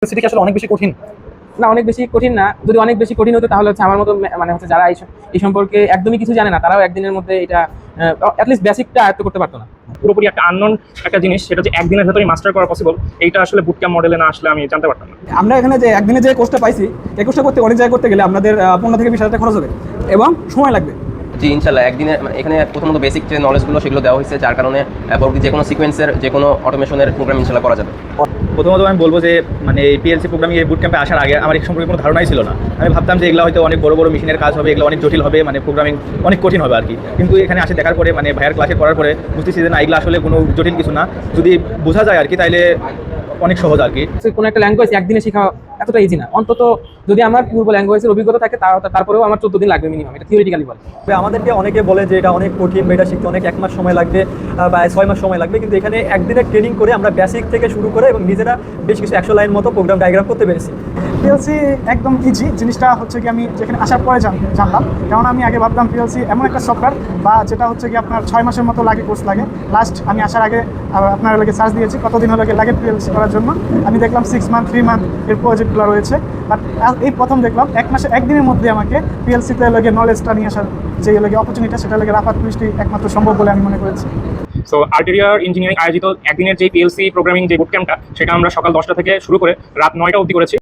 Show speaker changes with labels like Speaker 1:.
Speaker 1: সেটা কি আসলে অনেক বেশি কঠিন?
Speaker 2: না, অনেক বেশি কঠিন না। যদি অনেক বেশি কঠিন হতো তাহলে হচ্ছে আমার মতো মানে হচ্ছে যারা এই সম্পর্কে একদমই কিছু জানে না তারাও একদিনের মধ্যে এটা অ্যাটলিস্ট বেসিকটা আয়ত্ত করতে পারতো না।
Speaker 3: পুরোপুরি একটা আননোন একটা জিনিস, সেটা যে একদিনের ভেতরে মাস্টার করা পসিবল, এইটা আসলে বুটক্যাম্প মডেলে না আসলে আমি জানতে পারতাম না।
Speaker 4: আমরা এখানে যে একদিনে যে কোর্সটা পাইছি, এই কোর্সটা করতে অনেক জায়গায় করতে গেলে আপনাদের 15 থেকে 20 হাজার টাকা খরচ হবে এবং সময় লাগবে।
Speaker 5: জি ইনশাল্লাহ একদিনে এখানে প্রথমত বেসিক যে নলেজগুলো সেগুলো দেওয়া হয়েছে, যার কারণে পরবর্তী যে কোনো সিকোয়েন্সের যে কোনো অটোমেশনের প্রোগ্রাম ইনশাল্লাহ করা যাবে।
Speaker 1: প্রথমত আমি বলবো যে মানে এই পিএলসি প্রোগ্রামিং এই বুট ক্যাম্পে আসার আগে আমার এই সম্পর্কে কোনো ধারণাই ছিল না। আমি ভাবতাম যে এগুলো হয়তো অনেক বড় বড় মেশিনের কাজ হবে, এগুলো অনেক জটিল হবে, মানে প্রোগ্রামিং অনেক কঠিন হবে আর কি। কিন্তু এখানে আসে দেখার পরে মানে ভাইয়ার ক্লাসে করার পরে বুঝতেছি যে না, এগুলো আসলে কোনো জটিল কিছু না, যদি বোঝা যায় আর কি তাইলে অনেক সহজ আর কি।
Speaker 2: কোনো একটা ল্যাঙ্গুয়েজ একদিনে শেখা এতটা ইজি না। অন্তত যদি আমার পূর্ব ল্যাঙ্গুয়েজের অভিজ্ঞতা থাকে তারপরেও আমার 14 দিন লাগবে মিনিমাম, এটা থিওরিটিক্যালি বলে।
Speaker 6: আমাদেরকে অনেকে বলে যে এটা অনেক কঠিন বা এটা শিখতে অনেক 1 মাস সময় লাগবে বা 6 মাস সময় লাগবে, কিন্তু এখানে একদিনের ট্রেনিং করে আমরা বেসিক থেকে শুরু করে এবং নিজেরা বেশ কিছু 100 লাইন মতো প্রোগ্রাম ডায়াগ্রাম করতে পেরেছি।
Speaker 7: পিএলসি একদম ইজি জিনিসটা হচ্ছে কি আমি যেখানে আসার পরে জানলাম, কারণ আমি আগে ভাবতাম পিএলসি এমন একটা সফটওয়্যার বা যেটা হচ্ছে কি আপনার 6 মাসের মতো লাগে, কোর্স লাগে। লাস্ট আমি আসার আগে আপনার লাগে সার্চ দিয়েছি কতদিন লাগে পিএলসি করার জন্য। আমি দেখলাম 6 মান্থ 3 মান্থ এর প্রজেক্টগুলো রয়েছে, বাট এই প্রথম দেখলাম 1 মাসে একদিনের মধ্যে আমাকে পিএলসিতে লাগে নলেজটা নিয়ে আসার যে লাগে অপরচুনিটি, সেটা লাগে রাফাত মিষ্টি একমাত্র সম্ভব বলে আমি মনে করেছি।
Speaker 3: সো আর্টেরিয়ার ইঞ্জিনিয়ারিং আয়োজিত একদিনের যে পিএলসি প্রোগ্রামিং যে বুট ক্যাম্পটা, সেটা আমরা সকাল 10টা থেকে শুরু করে রাত 9টা অবধি করেছি।